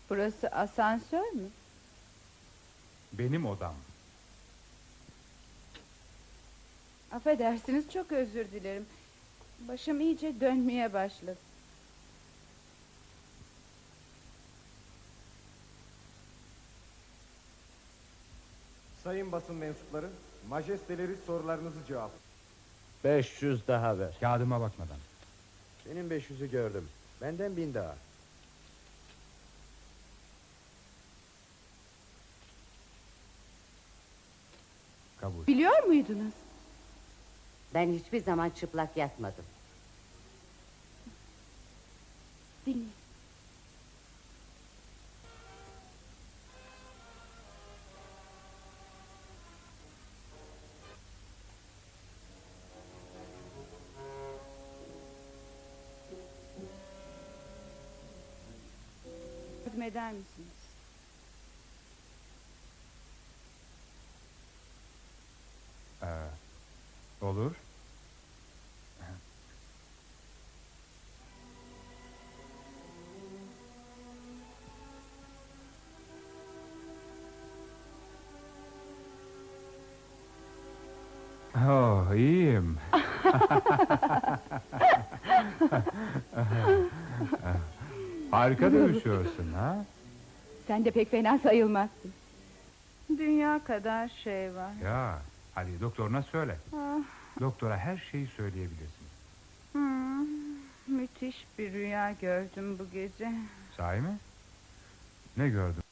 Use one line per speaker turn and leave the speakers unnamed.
Burası asansör mü?
Benim odam.
Affedersiniz, çok özür dilerim. Başım iyice dönmeye başladı.
Sayın basın mensupları, majesteleri sorularınızı cevap.
500 daha ver.
Kağıdıma bakmadan.
Senin 500'ü gördüm. Benden 1000 daha.
Kabul.
Biliyor muydunuz?
Ben hiçbir zaman çıplak yatmadım.
Dinleyin. Yardım eder misiniz?
Olur. Oh, iyiyim. Harika dövüşüyorsun ha?
Sen de pek fena sayılmazsın. Dünya kadar şey var.
Ya, hadi doktoruna söyle.
Ah,
Doktora her şeyi söyleyebilirsin.
müthiş bir rüya gördüm bu gece.
Sahi mi? Ne gördün?